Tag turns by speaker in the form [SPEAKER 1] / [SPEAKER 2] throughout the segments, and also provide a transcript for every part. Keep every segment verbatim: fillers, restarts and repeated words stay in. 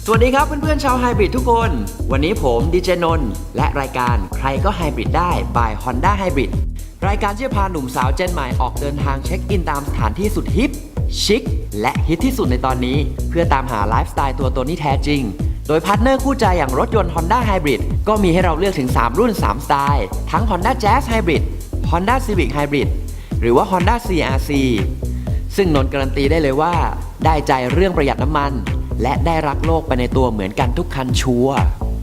[SPEAKER 1] สวัสดีครับเพื่อนๆชาวไฮบริดทุกคนวันนี้ผมดีเจนนท์และรายการใครก็ไฮบริดได้ by Honda Hybrid รายการที่จะพาหนุ่มสาวเจนใหม่ออกเดินทางเช็คอินตามสถานที่สุดฮิปชิคและฮิตที่สุดในตอนนี้เพื่อตามหาไลฟ์สไตล์ตัวตนที่แท้จริงโดยพาร์ทเนอร์คู่ใจอย่างรถยนต์ Honda Hybrid ก็มีให้เราเลือกถึงสามรุ่นสามสไตล์ทั้ง Honda Jazz Hybrid Honda Civic Hybrid หรือว่า Honda ซี อาร์ ซี ซึ่งนนท์การันตีได้เลยว่าได้ใจเรื่องประหยัดน้ำมันและได้รักโลกไปในตัวเหมือนกันทุกคันชัวร์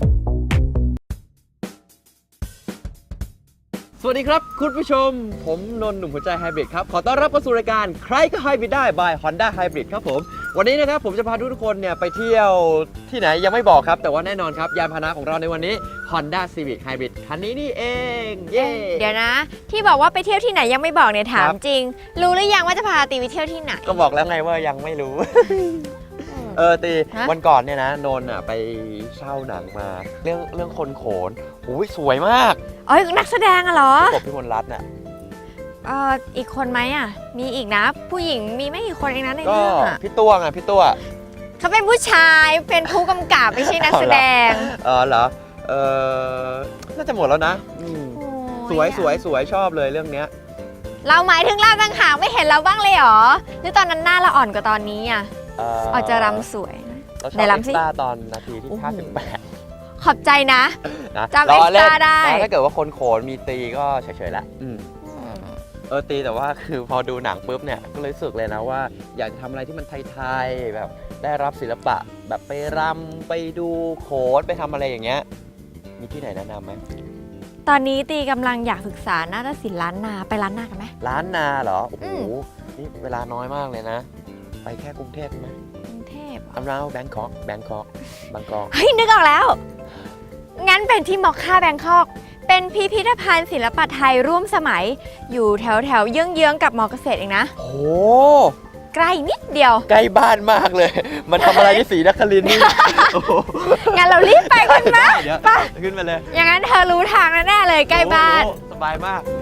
[SPEAKER 1] สวัสดีครับคุณผู้ชมผมนนท์หนุ่มหัวใจไฮบริดครับขอต้อนรับเข้าสู่รายการใครก็ไฮบริดได้ by Honda Hybrid ครับผมวันนี้นะครับผมจะพาทุกคนเนี่ยไปเที่ยวที่ไหนยังไม่บอกครับแต่ว่าแน่นอนครับยานพาหนะของเราในวันนี้ Honda Civic Hybrid คันนี้นี่เองเย้
[SPEAKER 2] เดี๋ยวนะที่บอกว่าไปเที่ยวที่ไหนยังไม่บอกเนี่ยถามจริงรู้หรือยังว่าจะพาตีไปเที่ยวที่ไหน
[SPEAKER 1] ก็บอกแล้วไงว่ายังไม่รู้ เออตีวันก่อนเนี่ยนะนนท์อ่ะไปเช่าหนังมาเรื่องเรื่องคนโขนโอ้ยสวยมาก
[SPEAKER 2] เอ้ยนักแสดงอะเหรอก
[SPEAKER 1] บพี่มนต์รัตน์น่ะ
[SPEAKER 2] เอ่ออีกคนไหมอ่ะมีอีกนะผู้หญิงมีไม่กี่คนเองนะในเรื่องอ่ะ
[SPEAKER 1] พี่ตัวไงพี่ตัว
[SPEAKER 2] เขาเป็นผู้ชายเป็นผู้กำกับไม่ใช่นักแสดง
[SPEAKER 1] เออเหรอเออน่าจะหมดแล้วนะสวยสวยสวยชอบเลยเรื่องเนี้ย
[SPEAKER 2] เราหมายถึงเราต่างหากไม่เห็นเราบ้างเลยเหรอหรือตอนนั้นหน้าเราอ่อนกว่าตอนนี้อ่ะอาจจะรำสวย
[SPEAKER 1] ในรำซิตอนนาทีที่ห้าสิบแปด
[SPEAKER 2] ขอบใจนะจำเอ็กซ์ตร้าได้
[SPEAKER 1] ถ้าเกิดว่าคนโขนมีตีก็เฉยๆแล้วเออตีแต่ว่าคือพอดูหนังปุ๊บเนี่ยก็เลยรู้สึกเลยนะว่าอยากจะทำอะไรที่มันไทยๆแบบได้รับศิลปะแบบไปรำไปดูโขนไปทำอะไรอย่างเงี้ยมีที่ไหนแนะนำไหม
[SPEAKER 2] ตอนนี้ตีกำลังอยากศึกษานาฏศิลป์ล้านนาไปล้านนากันไหม
[SPEAKER 1] ล้านนาเหรอโอ้โหนี่เวลาน้อยมากเลยนะไปแค่กรุงเทพไหม
[SPEAKER 2] กรุงเทพ
[SPEAKER 1] around Bangkok Bangkok Bangkok
[SPEAKER 2] เฮ้ยนึกออกแล้วงั้นเป็นที่มอคค่าแบงคอกเป็นพิพิธภัณฑ์ศิลปะไทยร่วมสมัยอยู่แถวแถวเยื้องๆกับมอเกษตรเองนะ
[SPEAKER 1] โอ้
[SPEAKER 2] ใกล้นิดเดียว
[SPEAKER 1] ใกล้บ้านมากเลยมันทำอะไรที่ศรีนครินทร์นี่
[SPEAKER 2] งั้นเรารีบไปกันไหม
[SPEAKER 1] ไปขึ้นมาเลย
[SPEAKER 2] อย่างนั้นเธอรู้ทางแน่เลยใกล้บ้าน
[SPEAKER 1] สบายมาก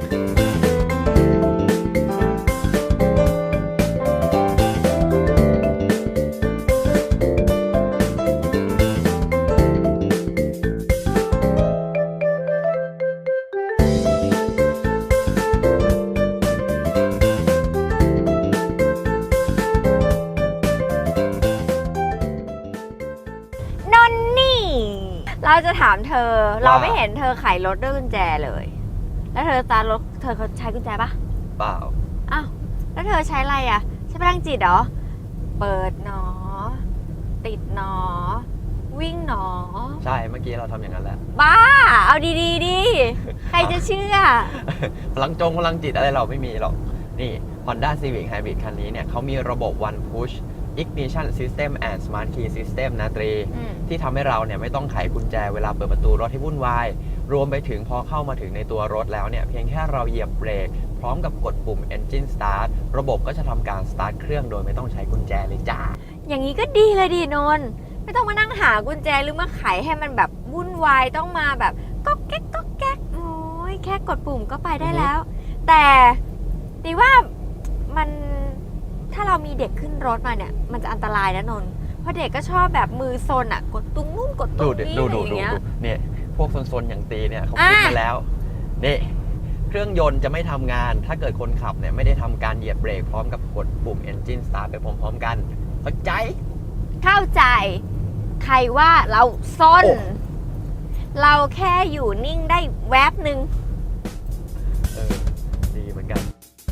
[SPEAKER 2] เราจะถามเธอเราไม่เห็นเธอไขรถด้วยกุญแจเลยแล้วเธอสตาร์ทรถเธอเขาใช้กุญแจปะ
[SPEAKER 1] เปล่า
[SPEAKER 2] อ้าวแล้วเธอใช้อะไรอ่ะใช้พลังจิตเหรอเปิดหนอติดหนอวิ่งหนอ
[SPEAKER 1] ใช่เมื่อกี้เราทำอย่างนั้นแหละ
[SPEAKER 2] บ้าเอาดีๆดิใครจะเชื่อ
[SPEAKER 1] พลังจงพลังจิตอะไรเราไม่มีหรอกนี่ Honda Civic Hybrid คันนี้เนี่ยเขามีระบบ One Push Ignition System and Smart Key System นะตรีที่ทำให้เราเนี่ยไม่ต้องไขกุญแจเวลาเปิดประตูรถให้วุ่นวายรวมไปถึงพอเข้ามาถึงในตัวรถแล้วเนี่ยเพียงแค่เราเหยียบเบรกพร้อมกับกดปุ่ม Engine Start ระบบก็จะทำการสตาร์ทเครื่องโดยไม่ต้องใช้กุญแจเลยจ้า
[SPEAKER 2] อย่างนี้ก็ดีเลยดีนนท์ไม่ต้องมานั่งหากุญแจหรือมาไขให้มันแบบวุ่นวายต้องมาแบบก๊อกแก๊กก๊อกแก๊กโอ้ยแค่กดปุ่มก็ไปได้แล้วแต่ตีว่ามันถ้าเรามีเด็กขึ้นรถมาเนี่ยมันจะอันตรายนะนนท์เพราะเด็กก็ชอบแบบมือซนอ่ะกดตุ้งนู่นกดตุ้งนี่อะไรอย่างเงี้ย
[SPEAKER 1] เนี่ยพวกซนๆอย่างตีเนี่ยเขาคิดมาแล้วนี่เครื่องยนต์จะไม่ทำงานถ้าเกิดคนขับเนี่ยไม่ได้ทำการเหยียบเบรกพร้อมกับกดปุ่ม Engine Start ไปพร้อมๆกันเข้าใจ
[SPEAKER 2] เข้าใจใครว่าเราซนเราแค่อยู่นิ่งได้แวบหนึ่ง
[SPEAKER 1] เออดีเหมือนกัน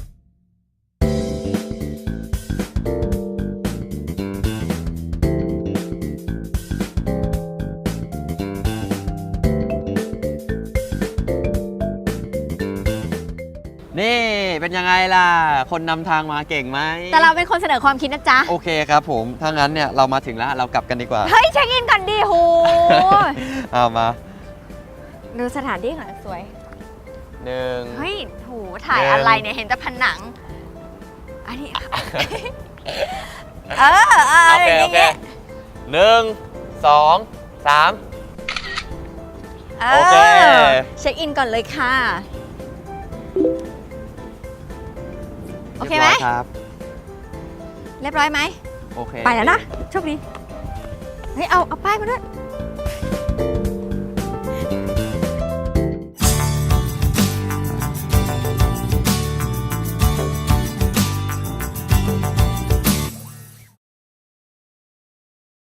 [SPEAKER 1] นี่เป็นยังไงล่ะคนนำทางมาเก่งไหม
[SPEAKER 2] แต่เราเป็นคนเสนอความคิดนะจ๊ะ
[SPEAKER 1] โอเคครับผมถ้างั้นเนี่ยเรามาถึงแล้วเรากลับกันดีกว่า
[SPEAKER 2] เฮ้ยเช็คอินก่อนดิโห
[SPEAKER 1] เอามา
[SPEAKER 2] ดูสถานที่หน่อยสวย
[SPEAKER 1] หนึ่ง
[SPEAKER 2] เฮ้ยโหถ่ายอะไรเนี่ยเห็นแต่ผนังอันนี้เออเออโอเคโอเค
[SPEAKER 1] หนึ่งสองสาม
[SPEAKER 2] โอเคเช็คอินก่อนเลยค่ะโอเคไหมครับเรียบร้อยไหมโอเคไปแล้วนะโชคดีเฮ้ยเอาเอาป้ายมาด้วย